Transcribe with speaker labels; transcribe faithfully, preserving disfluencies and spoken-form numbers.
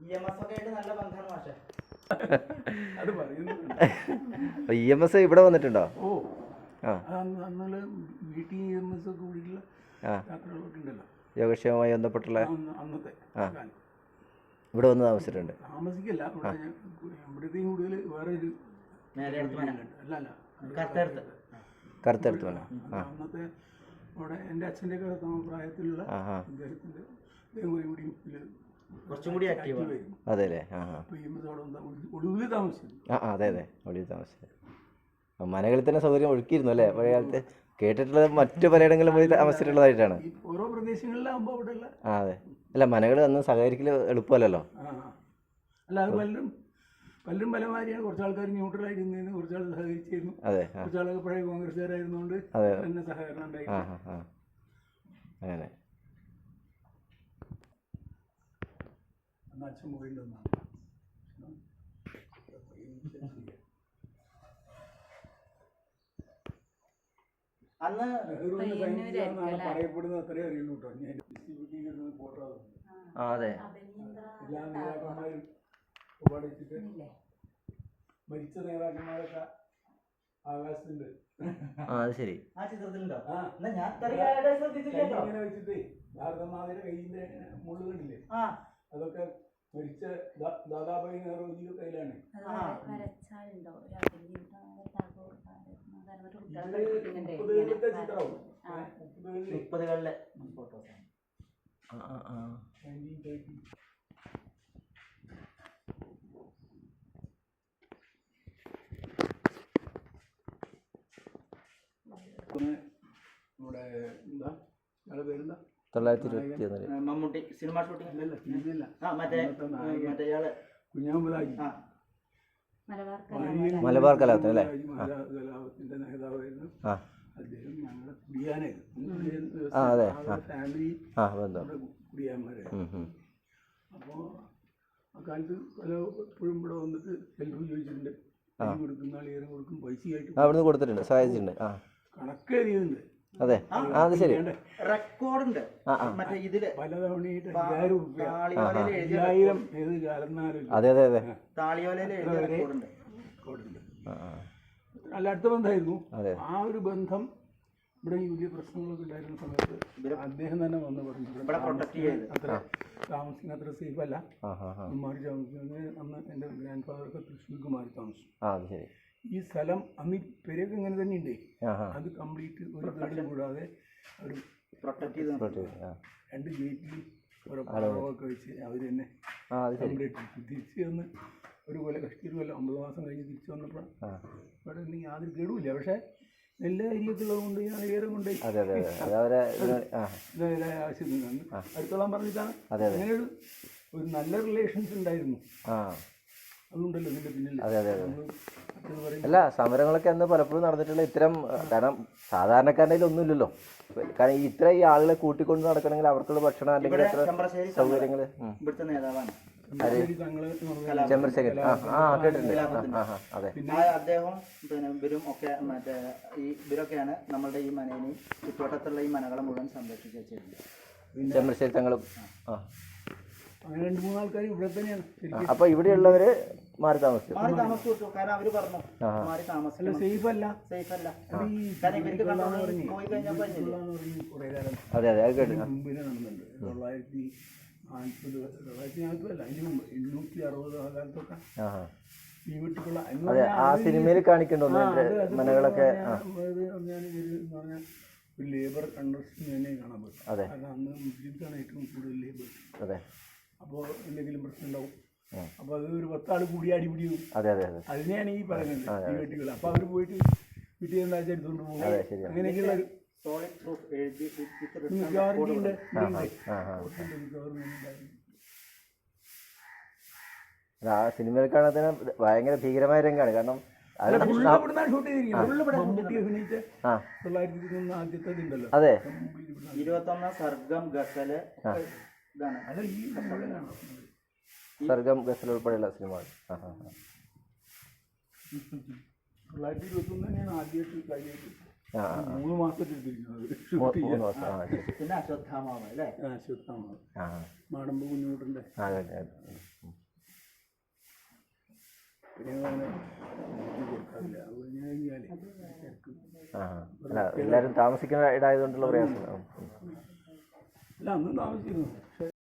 Speaker 1: E M S ഇവിടെ വന്നിട്ടുണ്ടോ?
Speaker 2: ഓ വീട്ടിൽ ഇ എം എസ് ഒക്കെ കൂടിയിട്ടുള്ള യാത്രകളൊക്കെ ഉണ്ടല്ലോ,
Speaker 1: യോഗക്ഷേമവുമായി ബന്ധപ്പെട്ടുള്ള.
Speaker 2: അന്നത്തെ
Speaker 1: ഇവിടെ വന്ന് താമസിച്ചിട്ടുണ്ട്.
Speaker 2: താമസിക്കല്ല, ഇവിടത്തെയും കൂടുതൽ വേറെ ഒരു അല്ല അല്ല
Speaker 1: കറുത്തെടുത്ത് വേണം.
Speaker 2: അന്നത്തെ അവിടെ എൻ്റെ അച്ഛൻ്റെ ഒക്കെ പ്രായത്തിലുള്ള അദ്ദേഹത്തിൻ്റെ കൂടി കുറച്ചും കൂടി ആക്റ്റീവ്.
Speaker 1: അതെ അല്ലേ?
Speaker 2: ഒടുവിൽ താമസിച്ചു.
Speaker 1: ആ അതെ അതെ ഒടുവിൽ താമസിച്ചു. മനകളിൽ തന്നെ സൗകര്യം ഒഴുക്കിയിരുന്നു അല്ലേ പഴയ കാലത്ത്? കേട്ടിട്ടുള്ളത് മറ്റു പലയിടങ്ങളിലും പോയി താമസിച്ചിട്ടുള്ളതായിട്ടാണ്.
Speaker 2: ഓരോ പ്രദേശങ്ങളിലാകുമ്പോൾ അവിടെയുള്ള
Speaker 1: ആ അതെ. അല്ല മനകൾ അന്ന് സഹകരിക്കൽ എളുപ്പമല്ലല്ലോ.
Speaker 2: അല്ല അത് പലരും പലരും പലമാതിരിയാണ്. കുറച്ച് ആൾക്കാർ ന്യൂട്രലായിരുന്നതിന്, കുറച്ച് ആൾ സഹകരിച്ചിരുന്നു.
Speaker 1: അതെ.
Speaker 2: കുറച്ച് ആളൊക്കെ പഴയ കോൺഗ്രസ്സുകാരായിരുന്നുകൊണ്ട് തന്നെ സഹകരണം ഉണ്ടായി.
Speaker 1: അങ്ങനെ
Speaker 2: അച്ഛൻ പോയിട്ടുണ്ടെന്നാണ്
Speaker 3: അന്ന്
Speaker 2: പറയപ്പെടുന്നത് അത്രയും അറിയുള്ളൂ കേട്ടോ. ഞാൻ ഡിസ്ട്രിബ്യൂട്ട് ഫോട്ടോ എല്ലാ നേതാക്കന്മാരും ഉപാടിച്ചിട്ട് മരിച്ച നേതാക്കന്മാരൊക്കെ ആകാശത്തുണ്ട്.
Speaker 1: ശരി.
Speaker 2: ഇങ്ങനെ വെച്ചിട്ട് ഭാരതമാതയുടെ കയ്യിന്റെ മുള്ളു കണ്ടില്ലേ, അതൊക്കെ മരിച്ച ദാദാഭായി നെഹ്റുജിയുടെ കയ്യിലാണ്. മുപ്പതുകളിലത്തെ ചിത്രവും
Speaker 3: മുപ്പതുകളിലെ ഫോട്ടോസ്. നമ്മുടെ എന്താ ഞങ്ങളുടെ പേരെന്താ?
Speaker 1: തൊള്ളായിരത്തി ഇരുപത്തി ഒന്നില്
Speaker 3: മമ്മൂട്ടി സിനിമ ഷൂട്ടിംഗ്
Speaker 2: അല്ലല്ല ടിവിയില്ല,
Speaker 3: മറ്റേ മറ്റേ ഇയാള്
Speaker 2: കുഞ്ഞാമ്പലാജി
Speaker 1: മലബാർ കലാപത്തിന് അല്ലേ?
Speaker 2: കലാപത്തിന്റെ നേതാവായിരുന്നു അദ്ദേഹം. ഞങ്ങളുടെ കുടിയാനായിരുന്നു, ഫാമിലി കുടിയാന്മാരായിരുന്നു. അപ്പോൾ അക്കാലത്ത് പല എപ്പോഴും ഇവിടെ വന്നിട്ട് ഹെൽപ്പ് ചോദിച്ചിട്ടുണ്ട്. കൈ കൊടുക്കുന്ന ആൾ കൊടുക്കും, പൈസയായിട്ട്
Speaker 1: അവിടുന്ന് കൊടുത്തിട്ടുണ്ട്, സഹായിച്ചിട്ടുണ്ട്.
Speaker 2: കണക്ക് എഴുതിയിട്ടുണ്ട്.
Speaker 1: അതെ അത് ശരി.
Speaker 3: റെക്കോർഡുണ്ട് മറ്റേ ഇതില്
Speaker 2: പലതവണയായിട്ട് അയ്യായിരം റുപ്യ അയ്യായിരം ഏത് കാലന്നാലും.
Speaker 1: അതെ അതെ അതെ
Speaker 3: താളിയോലയില് റെക്കോർഡുണ്ട്.
Speaker 2: നല്ല അടുത്ത ബന്ധമായിരുന്നു. ആ ഒരു ബന്ധം ഇവിടെ ഈ വലിയ പ്രശ്നങ്ങളൊക്കെ ഉണ്ടായിരുന്ന സമയത്ത് അദ്ദേഹം തന്നെ വന്ന് പറഞ്ഞു അത്ര താമസിക്കുന്ന അത്ര സേഫ് അല്ല, മാറി താമസിക്കുന്നത്. അന്ന് എൻ്റെ ഗ്രാൻഡ് ഫാദറൊക്കെ തൃശ്ശൂർക്ക് മാറി താമസിച്ചു. ഈ സ്ഥലം അന്ന് ഈ പെരയൊക്കെ ഇങ്ങനെ തന്നെ ഉണ്ട്. അത് കംപ്ലീറ്റ് ഒരു കേടും കൂടാതെ അവർ പ്രൊട്ടക്ട് ചെയ്ത് രണ്ട് ഗേറ്റിൽ ഓരോ പഴമൊക്കെ വെച്ച് അവർ തന്നെ കംപ്ലീറ്റ് തിരിച്ച് വന്ന് ഒരു കൊല്ലം കഷ്ടിയൊരു കൊല്ലം ഒമ്പത് മാസം കഴിഞ്ഞ് തിരിച്ചു വന്നപ്പോൾ ഇവിടെ ഒന്നും യാതൊരു കേടുമില്ല. പക്ഷേ നെല്ല് അരിയൊക്കെ ഉള്ളത് കൊണ്ട് ഞാൻ ഏറെ കൊണ്ട് ആവശ്യത്തിനാണ് അടുത്തോളം പറഞ്ഞിട്ടാണ്. അങ്ങനെ ഒരു ഒരു നല്ല റിലേഷൻസ് ഉണ്ടായിരുന്നു. അതുകൊണ്ടല്ലോ ഇതിൻ്റെ പിന്നിൽ.
Speaker 1: അല്ല സമരങ്ങളൊക്കെ അന്ന് പലപ്പോഴും നടന്നിട്ടുള്ള ഇത്തരം, കാരണം സാധാരണക്കാരുടെ ഒന്നുമില്ലല്ലോ. കാരണം ഇത്ര ഈ ആളുകളെ കൂട്ടിക്കൊണ്ട് നടക്കണമെങ്കിൽ അവർക്കുള്ള ഭക്ഷണം അല്ലെങ്കിൽ എത്ര സൗകര്യങ്ങൾ.
Speaker 3: ഇവിടുത്തെ നേതാവാണ്
Speaker 1: ചന്ദ്രശേഖരൻ. ആ കേട്ടിട്ടുണ്ട്. അതെ.
Speaker 3: അദ്ദേഹം പിന്നെ ഇവരും ഒക്കെ മറ്റേ ഈ ഇവരൊക്കെയാണ് നമ്മളുടെ ഈ മനേനെയും ചുറ്റുവട്ടത്തുള്ള ഈ മനകളെ മുഴുവൻ സംരക്ഷിച്ച് വെച്ചിരുന്നത്.
Speaker 1: ചന്ദ്രശേഖരൻ തങ്ങളും. ആ
Speaker 2: അങ്ങനെ രണ്ട് മൂന്ന് ആൾക്കാർ ഇവിടെ തന്നെയാണ്.
Speaker 1: അപ്പൊ ഇവിടെയുള്ളവര് മാറി താമസിച്ചു
Speaker 3: മാറി താമസിച്ചു കാരണം അവര് പറഞ്ഞു മാറി താമസിക്കില്ല, സേഫ് അല്ല സേഫ് അല്ല. പോയി കഴിഞ്ഞപ്പോ
Speaker 1: അതെ അതെ അത് കേട്ടു.
Speaker 2: മുമ്പിനെ നടന്നുണ്ട് തൊള്ളായിരത്തി നാൽപ്പത് തൊള്ളായിരത്തി നാൽപ്പതല്ല അതിന് മുമ്പ് എണ്ണൂറ്റി അറുപത് ആ കാലത്തൊക്കെ ഈ വീട്ടിലുള്ള
Speaker 1: ആ സിനിമയിൽ കാണിക്കണ്ടോ മനകളൊക്കെ.
Speaker 2: ഞാൻ എന്ന് പറഞ്ഞാൽ ഒരു ലേബർ അണ്ടർസ്റ്റാൻഡിങ് തന്നെ കാണാൻ പറ്റും. കാരണം അന്ന് മുസ്ലിംസാണ് ഏറ്റവും കൂടുതൽ ലേബർ.
Speaker 1: അതെ.
Speaker 2: അപ്പോൾ എന്തെങ്കിലും പ്രശ്നം ഉണ്ടാവും. അപ്പോൾ അത് ഒരു പത്താൾ കൂടി അടിപിടിയും.
Speaker 1: അതെ അതെ അതെ
Speaker 2: അതിനെയാണ് ഈ പറയുന്നത് ഈ വീട്ടുകൾ. അപ്പോൾ അവർ പോയിട്ട് വീട്ടിൽ എന്താ എടുത്തുകൊണ്ട് പോകും. അങ്ങനെയൊക്കെയുള്ള ഒരു ഗ്യാരണ്ടി ഉണ്ട്.
Speaker 1: ആ സിനിമയിൽ കാണാൻ ഭയങ്കര ഭീകരമായ രംഗമാണ്. കാരണം അതെ
Speaker 3: ഇരുപത്തൊന്നാം സർഗം ഗസല്
Speaker 1: സർഗം ഗസൽ ഉൾപ്പെടെയുള്ള സിനിമകൾ.
Speaker 2: തൊള്ളായിരത്തി ഇരുപത്തി ഒന്ന് തന്നെയാണ് ആദ്യമായിട്ട് കഴിഞ്ഞിട്ട് മൂന്ന് മാസത്തിലിരിക്കുന്നത്.
Speaker 3: പിന്നെ അശ്വത്ഥാമാവ് അല്ലേ?
Speaker 2: അശ്വത്ഥാമാവ് മാടമ്പ് കുഞ്ഞുകൂട്ടൻ്റെ പിന്നെ അങ്ങനെ ഇത് കൊടുക്കാറില്ല. അത് കഴിഞ്ഞ് കഴിഞ്ഞാൽ ശരിക്കും
Speaker 1: ആ അല്ല എല്ലാവരും താമസിക്കുന്ന ഇടായതുകൊണ്ടുള്ള പ്രയാസം.
Speaker 2: അല്ല അന്ന് താമസിച്ചിരുന്നു. പക്ഷേ